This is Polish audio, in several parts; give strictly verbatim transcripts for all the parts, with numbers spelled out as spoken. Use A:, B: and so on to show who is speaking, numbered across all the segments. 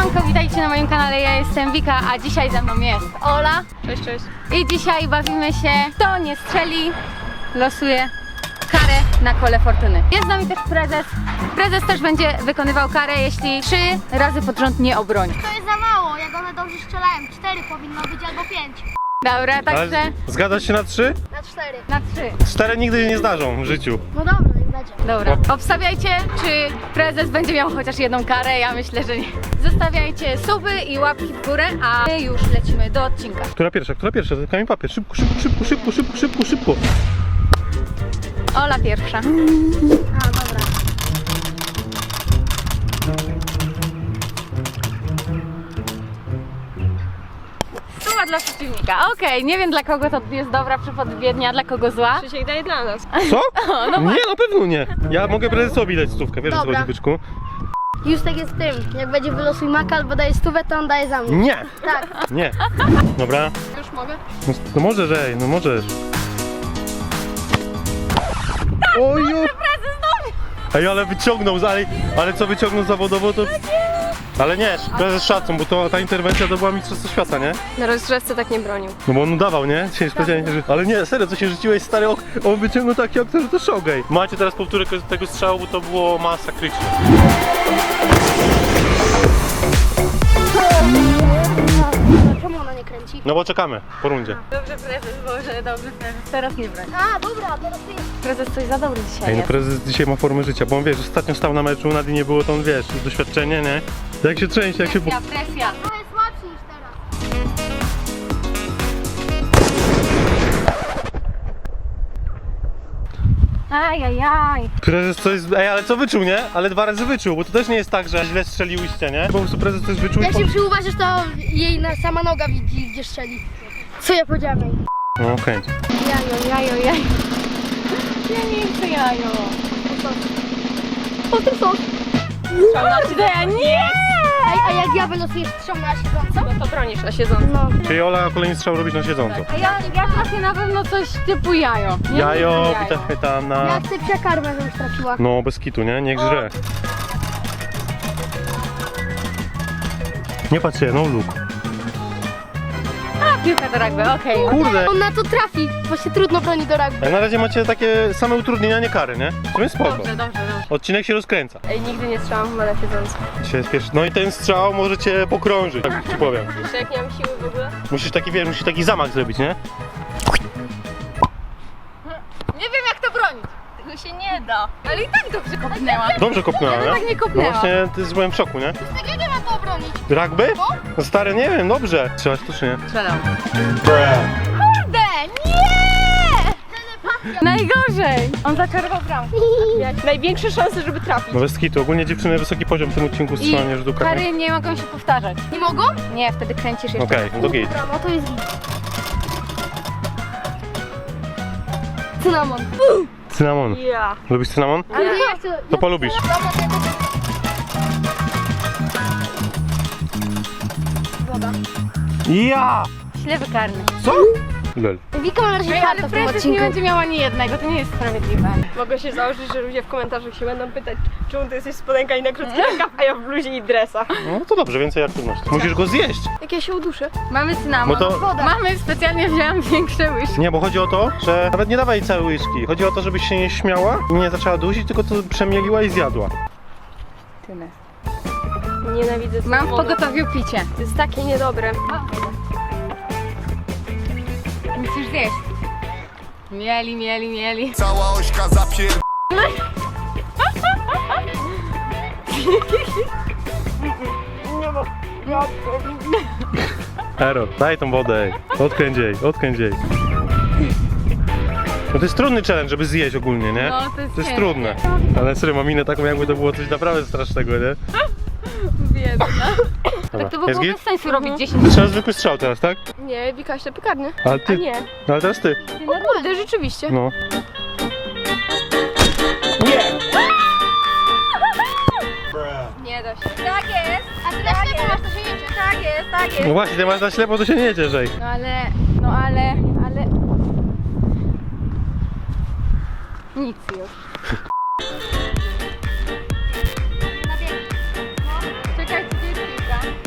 A: Siemanko, witajcie na moim kanale, ja jestem Wika, a dzisiaj ze mną jest Ola.
B: Cześć, cześć.
A: I dzisiaj bawimy się, kto nie strzeli, losuje karę na kole fortuny. Jest z nami też prezes. Prezes też będzie wykonywał karę, jeśli trzy razy pod rząd nie obroni.
C: To jest za mało, jak one dobrze strzelają. Cztery powinno być albo pięć.
A: Dobra, także
D: Ale zgadzasz się na trzy?
C: Na cztery.
A: na trzy.
D: Cztery nigdy nie zdarzą w życiu.
C: No dobra, niech będzie.
A: Dobra, obstawiajcie, czy prezes będzie miał chociaż jedną karę, ja myślę, że nie. Zostawiajcie suby i łapki w górę, a my już lecimy do odcinka.
D: Która pierwsza? Która pierwsza? Kamień papier. Szybko, szybko, szybko, szybko, szybko, szybko, szybko.
A: Ola pierwsza.
C: A, dobra.
A: Suba dla przeciwnika. Okej, nie wiem dla kogo to jest dobra przepowiednia, a dla kogo zła.
B: Krzysiek daje dla nas.
D: Co?
A: no
D: Nie, na pewno nie. Ja mogę prezesowi dać stówkę, wiesz o co
C: Dobra.
D: chodzi, byczku?
C: Justek jest tym. Jak będzie wylosuj maka albo daje stówę, to on daje za mnie.
D: Nie,
C: Tak.
D: nie. Dobra.
B: Już mogę?
D: No, no możesz, ej, no możesz. Oju! Ej, ale wyciągnął, ale, ale co wyciągnął zawodowo, to... Ale nie, prezes szacun, bo to, ta interwencja to była mistrzostwo świata, nie?
B: Na rozgrzewce tak nie bronił.
D: No bo on udawał, nie? Dzisiaj specjalnie, że... Ale nie, serio, co się rzuciłeś, stary, ok, on wyciągnął taki okno, że to szogej. Macie teraz powtórkę tego strzału, bo to było masakryczne.
C: Czemu ona nie kręci?
D: No bo czekamy, po rundzie.
A: Dobrze prezes, Boże, dobrze prezes. Teraz nie broń.
C: A, dobra, teraz ty jest.
A: Prezes coś za dobry dzisiaj
D: Ej, no
A: jest.
D: prezes dzisiaj ma formę życia, bo on wiesz, ostatnio stał na meczu, Nadii nie było, to on wiesz, doświadczenie, nie? Jak się trzęsie, jak się...
A: Presja, presja.
C: To jest słabszy niż teraz.
A: Ajajaj.
D: Prezes coś... Ej, ale co wyczuł, nie? Ale dwa razy wyczuł, bo to też nie jest tak, że źle strzeliłyście, nie? Po prostu prezes coś wyczuł i...
C: Jak
D: po-
C: się przyuważysz, to jej na, sama noga widzi, gdzie strzeli. Co ja powiedziałem jej?
D: No, kręć.
A: Jajo, jajo, jajo. Ja nie chcę jajo.
C: O, to są.
A: Kurde, nie!
C: Ej, a jak ja wylosuję strzał na siedząco?
B: No to bronisz na siedząco.
C: No.
D: Czyli Ola kolejny strzał robić na siedząco.
A: A ja, ja trafię na pewno coś typu jajo. Nie
D: Jajo,
A: lubię
D: pita chwytana.
C: Ja chcę przekarmę, żebyś trafiła.
D: No, bez kitu, nie? Niech żre. Nie patrz się, no look.
A: A, piłka do rugby, okej.
D: Kurde!
C: On na to trafi, bo się trudno broni do rugby.
D: Jak na razie macie takie same utrudnienia, nie kary, nie? To jest spoko.
A: Dobrze, dobrze, dobrze.
D: Odcinek się rozkręca.
B: Ej, nigdy nie strzelam w mele siedząco.
D: Dzisiaj jest pierwszy. No i ten strzał możecie pokrążyć, tak ci powiem.
B: Jeszcze jak nie mam siły w ogóle.
D: Musisz taki, wiesz, musisz taki zamach zrobić, nie?
A: Nie wiem jak to bronić.
B: Tego się nie da.
A: Ale i tak dobrze kopnęła.
D: Dobrze kopnęła,
A: Ja bym tak nie
D: No
A: kopnęła.
D: właśnie, ty byłem w szoku, nie?
C: Tak jak ja mam to obronić?
D: Rugby? No stary, nie wiem, dobrze. Strzelasz to czy nie?
A: Strzelam. Kurde, nie! Najgorzej! On zaczarował bramkę.
B: Miałeś największe szanse, żeby trafić.
D: No bez kitu, ogólnie dziewczyny wysoki poziom w tym odcinku strzelania rzutów karnych.
A: kary nie mogą się powtarzać.
C: Nie mogą?
A: Nie, wtedy kręcisz jeszcze.
D: Okej, no to git.
C: Dobra, no to jest git. Cynamon.
D: Cynamon.
B: Ja.
D: Lubisz cynamon?
C: Ale ja chcę...
D: To polubisz.
C: Woda.
D: Ja!
A: Ślewy karny.
D: Co? Lel.
C: Wika ma na razie
A: Ej,
C: kartę
A: ale
C: w tym
A: prezes nie
C: odcinku.
A: będzie miała ani jednego, to nie jest sprawiedliwe.
B: Mogę się założyć, że ludzie w komentarzach się będą pytać, czemu ty jesteś w spodenkach i na krótki rękaw, a ja w bluzie i dresach.
D: No to dobrze, więcej aktywności. Musisz go zjeść.
B: Jak ja się uduszę.
A: Mamy cynamon.
D: Bo to-
C: Woda.
A: Mamy, specjalnie wzięłam większe łyżki.
D: Nie, bo chodzi o to, że nawet nie dawaj całej łyżki. Chodzi o to, żebyś się nie śmiała i nie zaczęła dusić, tylko to przemieliła i zjadła.
A: Tyle.
B: Nienawidzę
A: Mam w
B: cynamonu.
A: pogotowiu picie.
B: To jest takie niedobre.
A: Musisz zjeść. Mieli, mieli, mieli.
E: Cała ośka zapier...
D: Ero, daj tą wodę, ej. Odkręć jej, odkręć jej. No to jest trudny challenge, żeby zjeść ogólnie, nie?
A: No, to jest
D: To jest
A: ciężkie.
D: trudne. Ale serio, mam minę taką, jakby to było coś naprawdę strasznego, nie?
A: Biedna.
D: Dobra.
A: Tak to by
D: Jest
A: było
D: git?
A: bez sensu robić dziesięć.
D: Trzeba zwykły strzał teraz, tak?
B: Nie, Wika się piekarny.
D: Ale
B: A
D: ty,
B: nie.
D: no ale teraz ty.
B: O kurde, rzeczywiście.
D: No.
B: Nie da się.
A: Tak jest.
C: A ty na ślepo masz, to się jedzie.
A: Tak jest, tak jest.
D: No właśnie, ty masz na ślepo, to się nie cieszej.
A: No ale, no ale, ale... Nic już.
C: Na bieg.
A: Czekajcie, gdzie jest piłka?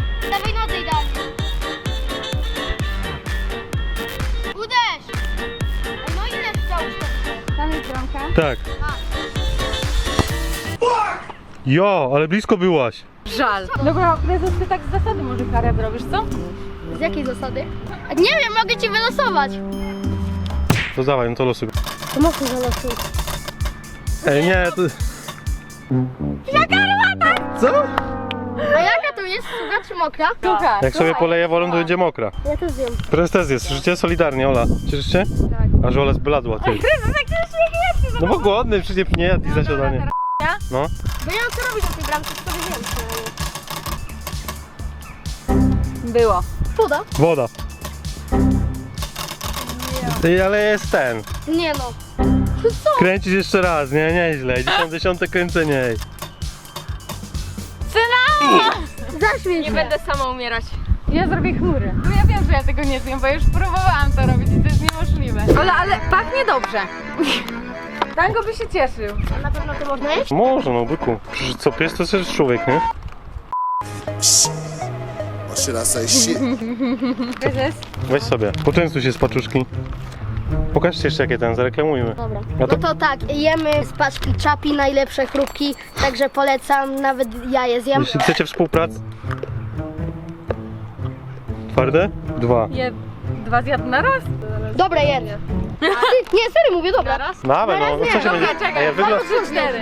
D: Jo, ale blisko byłaś.
A: Żal. Dobra, prezes, ty tak z zasady może karę robisz, co?
C: Z jakiej zasady? A nie wiem, mogę ci wylosować.
D: To dawaj, no to losuj.
C: To mocno zalosuj.
D: Ej, nie, to...
C: Jaka armata?
D: Co?
C: A jaka to jest? Sucha czy mokra?
A: Słuchaj.
D: Jak sobie poleje wolą, to będzie mokra.
C: Ja też wiem.
D: Prezes też jest, życie solidarnie, Ola. Cieszysz się?
A: Tak.
D: A że Ola zbladła, ty.
A: Prezes, jak się śmiejecie?
D: No bo głodny, przecież nie jadł i za siadanie. No.
C: Bo ja mam co robić na tej bramce, to wiem.
A: Było.
C: Woda?
D: Woda. Ty, ale jest ten.
C: Nie no. To co?
D: Kręcisz jeszcze raz, nie? Nieźle. Dziesiąte, dziesiąte kręcenie. Ej.
A: Syna!
C: Zaśmiej
B: Nie
C: się.
B: będę sama umierać.
A: Ja zrobię chmury. No ja wiem, że ja tego nie zjem, bo już próbowałam to robić i to jest niemożliwe. Ale, ale pachnie dobrze. Tango by się cieszył.
C: A na pewno to można jeść?
D: Może, no byku. Przecież co pies to też człowiek, nie?
E: Or should I say shit?
A: Prezes?
D: Weź sobie. Poczęstuj się z paczuszki. Pokażcie jeszcze jakie ten, zareklamujmy.
C: Dobra.
D: A
C: No
D: to-
C: to tak, jemy z paczki Czapi najlepsze chrupki, także polecam, nawet ja je zjem.
D: Jeśli chcecie współpracy... Twarde? Dwa.
A: Je dwa zjadł na raz?
C: Dobra, jedz. Ty, nie, serio mówię, dobra.
D: Dawaj, no, no co się będzie...
A: Dobra, czekaj,
D: Ej, wygląda...
A: trzy, cztery.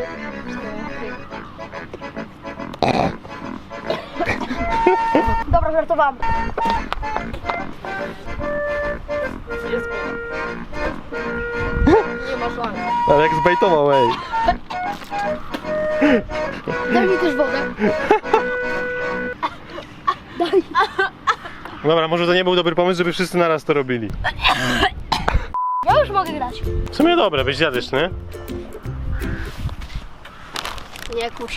C: Dobra, żartowałam.
B: Nie ma szans.
D: Ale jak zbejtował, ej.
C: Daj mi też wodę. Daj.
D: Dobra, może to nie był dobry pomysł, żeby wszyscy naraz to robili.
C: Ja już mogę grać.
D: W sumie dobre, byś zjadłeś, nie?
C: Nie kurz.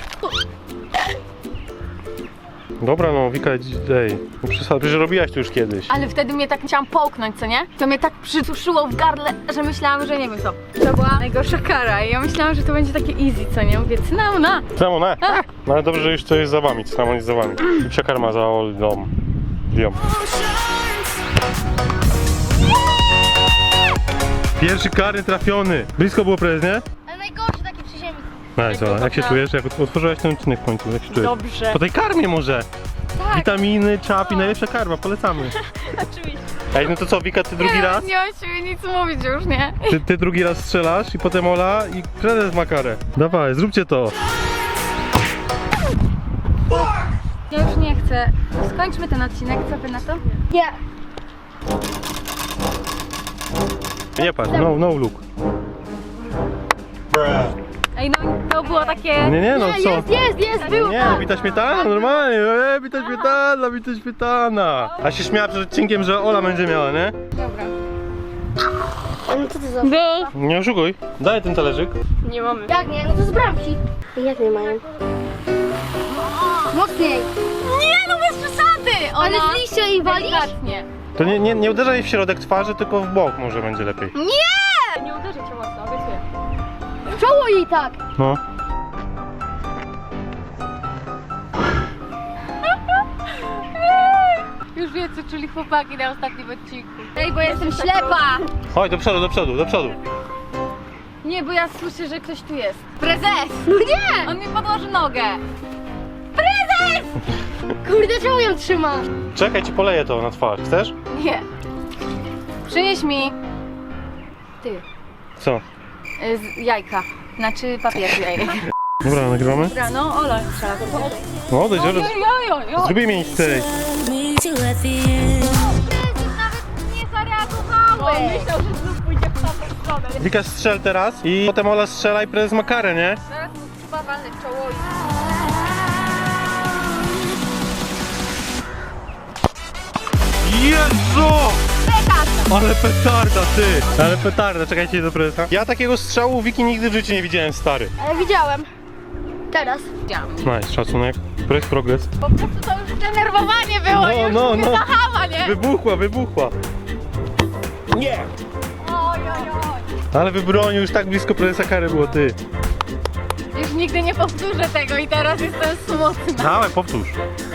D: Dobra, no, Wika, ej. No przesad, przecież robiłaś to już kiedyś.
A: Ale wtedy mnie tak chciałam połknąć, co nie? To mnie tak przytuszyło w gardle, że myślałam, że nie wiem co. To była najgorsza kara i ja myślałam, że to będzie takie easy, co nie? Mówię, cynamona.
D: Samo, ne? No ale dobrze, że już to jest za wami, samo jest za wami. I psia karma za Olą. Lią. Pierwszy karny trafiony. Blisko było prezes, nie?
C: Ale najgorszy taki przy ziemi.
D: Nice, Ola. Jak się czujesz? Jak otworzyłaś ten odcinek w końcu? Jak się czujesz?
B: Dobrze.
D: Po tej karmie może.
A: Tak.
D: Witaminy, czapi, najlepsza karma, polecamy.
B: Oczywiście.
D: Ej, no to co, Wika, ty drugi raz?
A: Nie mam siebie nic mówić już, nie?
D: Ty, ty drugi raz strzelasz i potem Ola i prezes ma karę. Dawaj, zróbcie to.
A: Ja już nie chcę. Skończmy ten odcinek, co wy na to?
C: Nie.
D: Nie patrz, no, no look.
A: Ej, no to było takie...
D: Nie, nie, no
C: Nie,
D: co?
C: jest, jest, jest, było.
D: Nie, no bita śmietana, normalnie, e, bita śmietana, bita śmietana. A się śmiała przed odcinkiem, że Ola będzie miała, nie?
A: Dobra.
C: No co ty za...
D: Nie oszukuj. Daj ten talerzyk.
B: Nie mamy.
C: Jak nie? No to z bramki. Jak nie mają? Mocniej.
A: Nie, no bez przesady! Ona...
C: Ale z liścia jej walisz?
A: Delikatnie.
D: To nie, nie, nie uderzaj w środek twarzy, tylko w bok może będzie lepiej.
A: Nie!
B: Nie uderzy cię mocno, obiecuję.
C: W czoło jej tak.
D: No.
A: Już wie, co czuli chłopaki na ostatnim odcinku. Ej, bo jestem ślepa!
D: Chodź, do przodu, do przodu, do przodu.
A: Nie, bo ja słyszę, że ktoś tu jest. Prezes!
C: No nie!
A: On mi podłoży nogę. Prezes!
C: Kurde, czemu ją trzymasz?
D: Czekaj, ci poleję to na twarz. Chcesz?
A: Nie. Przynieś mi... Ty.
D: Co?
A: y, Z jajka. Znaczy papier z jajek.
D: Dobra, nagrywamy?
A: Dobra, no Ola strzela.
D: No, odejdź,
A: Jo,
D: odejdź.
A: jo, jo, jo.
D: Zróbmy miejsce.
F: Meet you at the end.
C: Prezes nawet nie zareagowałeś.
B: Myślał, że znów pójdzie w tamtą stronę.
D: Wika, strzel teraz i potem Ola strzela i prezes ma karę, nie?
A: Zaraz mu chyba walnę w czoło i...
D: Jezu! Ale petarda, ty! Ale petarda, czekajcie do prezesa. Ja takiego strzału Wiki nigdy w życiu nie widziałem, stary.
C: Ale widziałem. Teraz.
D: Nice, szacunek. Press progress.
A: Po prostu to już denerwowanie było
D: No,
A: i już
D: no,
A: mnie
D: no.
A: zahała, nie?
D: Wybuchła, wybuchła.
A: Oj, oj, oj.
D: Ale wybronił, już tak blisko prezesa kary było, ty.
A: Już nigdy nie powtórzę tego i teraz jestem smutna.
D: Dawaj, powtórz.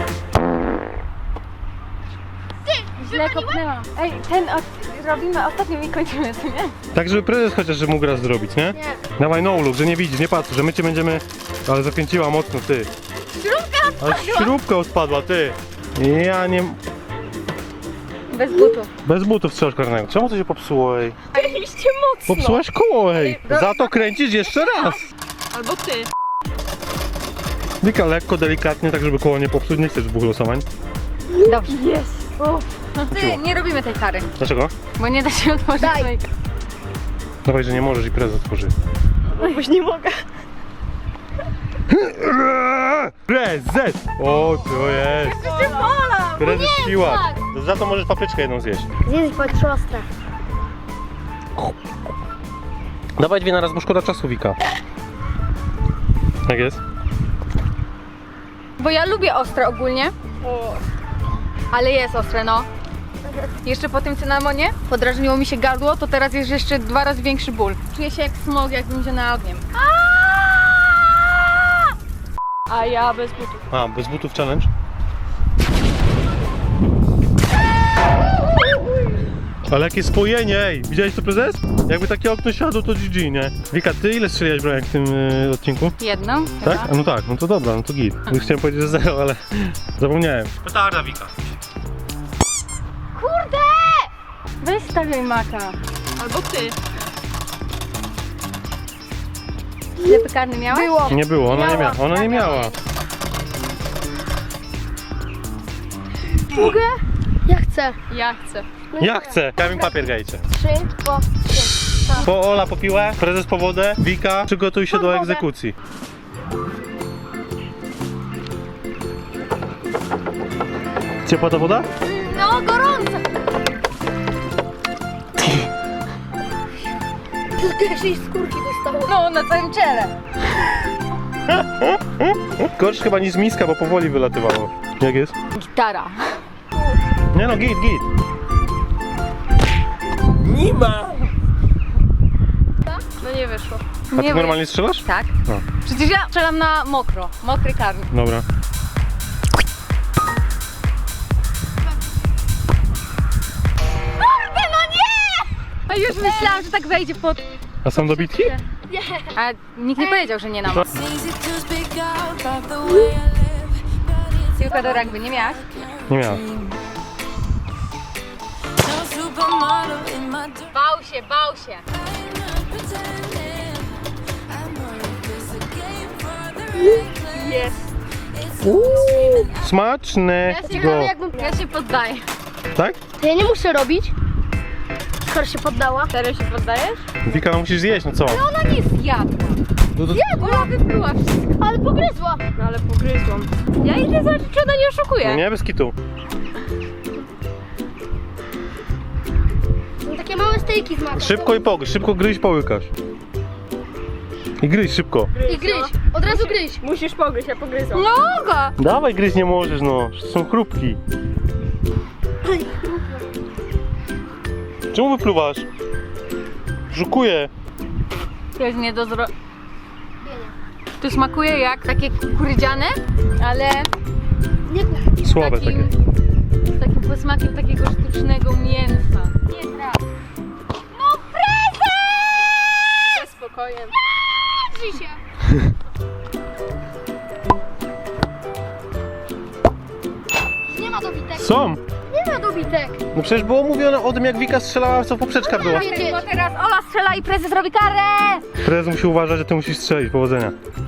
A: Źle kopnęłam. Ej, ten od... robimy ostatnim i kończymy, co nie?
D: Tak, żeby prezes chociaż że mógł raz zrobić, nie?
C: Nie.
D: Dawaj, no look, że nie widzisz, nie patrz, że my cię będziemy Ale zakręciła mocno, ty.
A: Śrubka
D: Ale śrubka odpadła, ty. Ja nie...
A: bez butów.
D: Bez butów strzelasz karnego. Czemu to się popsuło, ej?
B: Mieliście mocno.
D: Popsułaś koło, ej. Za to kręcisz jeszcze raz.
B: Albo ty.
D: Wika, lekko, delikatnie, tak żeby koło nie popsuć. Nie chcesz dwóch losowań.
A: Dobrze.
B: Jest. O.
A: No ty, nie robimy tej kary,
D: Dlaczego?
A: bo nie da się otworzyć
C: Daj.
A: swojej.
D: Dawaj, że nie możesz i prezes otworzy.
B: Już nie mogę.
D: Prezes! O, to jest. Prezes siła. Za to możesz papryczkę jedną zjeść.
C: Zjedz po trzy ostre.
D: Dawaj dwie na raz, bo szkoda czasu, Wika. Jak jest?
A: Bo ja lubię ostre ogólnie,
B: O.
A: ale jest ostre, no. Jeszcze po tym cynamonie podrażniło mi się gardło, to teraz jest jeszcze dwa razy większy ból. Czuję się jak smog, jakbym się na ogniem.
B: A ja bez butów.
D: A, bez butów challenge? Ale jakie spojenie, ej! Widziałeś to, prezes? Jakby takie okno siadło, to G G, nie? Wika, ty ile strzeliłaś bramek w tym y, odcinku?
A: Jedną?
D: Tak?
A: chyba.
D: A no tak, no to dobra, no to git. Już chciałem powiedzieć, że zero, ale zapomniałem. Petarda, Wika.
A: Kurde! Weź stawiaj maka.
B: Albo ty.
A: Ślepy karny miałeś?
C: Było.
D: Nie było, ona nie
C: Miała.
D: miała. Ona nie miała.
C: Mogę? Ja chcę.
B: Ja chcę.
D: Ja chcę. Kamień papier gajcie.
C: Trzy, po trzy.
D: Po Ola po piłę, prezes po wodę, Wika, przygotuj się
C: Po
D: do
C: wodę.
D: egzekucji. Ciepła ta woda?
A: No, gorąco!
C: Tylko jej skórki dostało.
A: No, na całym ciele.
D: Gorsz chyba niż z miska, bo powoli wylatywało. Jak jest?
A: Gitara.
D: Nie no, git, git.
B: No nie wyszło.
D: A ty
A: Nie, bo
D: normalnie strzelasz?
A: Tak.
D: No.
A: Przecież ja strzelam na mokro. Mokry karny.
D: Dobra.
A: Kurde, no nie! A już myślałam, że tak wejdzie pod...
D: A są dobitki?
A: A nikt nie powiedział, że nie na
D: To-
A: moc.
F: Things that you speak out of the way I live. But it's
A: Piłkę do rugby nie miałaś?
D: Nie miała.
F: no supermodel in my dream.
A: Bał się, bał się.
F: I'm not pretending. I know it's a game for the reckless.
B: Jest.
F: It's
D: Smaczne.
A: Ja się,
D: Go.
C: jakbym...
A: ja się poddaję.
D: Tak?
C: To ja nie muszę robić. Skoro się poddała.
B: Serio się poddajesz?
D: Wika, no musisz zjeść, no co?
A: Ona nie zjadła.
D: No to...
A: Ona wypluła wszystko.
C: Ale pogryzła.
B: No ale pogryzłam. Ja idę zobaczyć, czy ona nie oszukuje.
D: No nie, bez kitu.
C: Są takie małe stejki z makiem.
D: Szybko i pogryź, szybko gryź, połykasz. I gryź szybko.
C: I gryź. Od razu gryź.
B: Musisz pogryźć, ja pogryzłam.
A: Noga!
D: Dawaj, gryź nie możesz, no. To są chrupki. Czemu wypluwasz? Żukuję.
A: To jest nie do zro... To smakuje jak takie kukurydziane, ale
C: Nie
D: Słabe
A: takim,
D: takie.
A: z takim posmakiem takiego sztucznego mięsa. Nie traf. No prezes!
B: Ze spokojem.
C: Drzyj się. Nie ma dobitek.
D: Są.
C: Nie ma dobitek.
D: No przecież było mówione o tym, jak Wika strzelała, co poprzeczka była.
C: Wiecie,
A: Bo teraz Ola strzela i prezes robi karę!
D: Prezes musi uważać, że ty musisz strzelić. Powodzenia.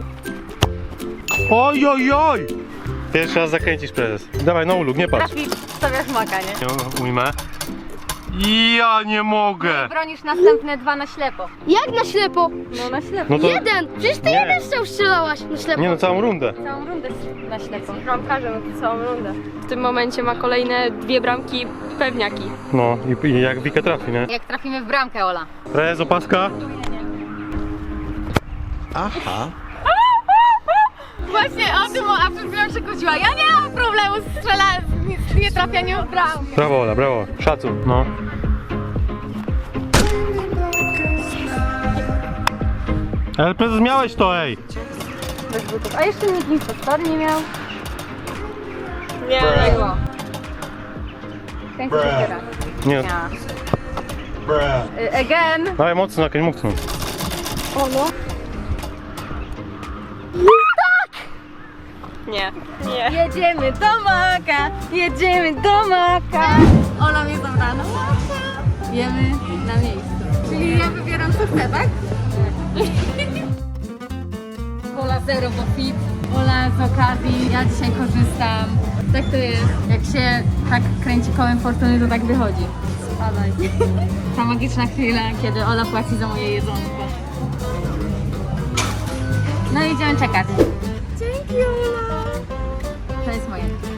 D: Oj, oj, oj! Pierwszy raz zakręcisz, prezes. Dawaj, no uluk, nie patrz.
A: Trafi, stawiasz maka, nie?
D: Ja ujmę. Ja nie mogę!
A: Bronisz następne dwa na ślepo.
C: jak na ślepo?
A: No na ślepo.
D: No to...
C: Jeden. Przecież ty
D: Nie.
C: jeden strzał strzelałaś na ślepo.
D: Nie no, całą rundę.
A: Całą rundę na ślepo.
B: Bramkarze na całą rundę. W tym momencie ma kolejne dwie bramki pewniaki.
D: No i, i jak Wika trafi, nie?
A: Jak trafimy w bramkę, Ola.
D: Prezes, opaska.
A: Właśnie o tym, a przed chwilą się kłóciła. Ja nie mam problemu z strzelaniem, z nietrafianiem w bramkę.
D: Brawo, Ola, brawo. Szacun, no. Ale prezes, miałeś to, ej!
A: Bez butów. A jeszcze nikt nic pod story nie miał.
B: Nie,
A: Było. Kręcisz jeszcze raz.
D: Nie,
A: Ja. Y, Again.
D: dawaj mocno, jakoś mocno.
C: O no.
B: Nie. Nie.
A: Jedziemy do Maka, jedziemy do Maka. Ola mnie zabrała na Maka. Jemy na miejscu. Czyli ja wybieram co chcę, tak? Ola zero, bo fit. Ola z okazji, ja dzisiaj korzystam. Tak to jest. Jak się tak kręci kołem fortuny, to tak wychodzi. Spadaj. Ta magiczna chwila, kiedy Ola płaci za moje jedzonko. No i idziemy czekać. Dzięki, Ola. To jest moje.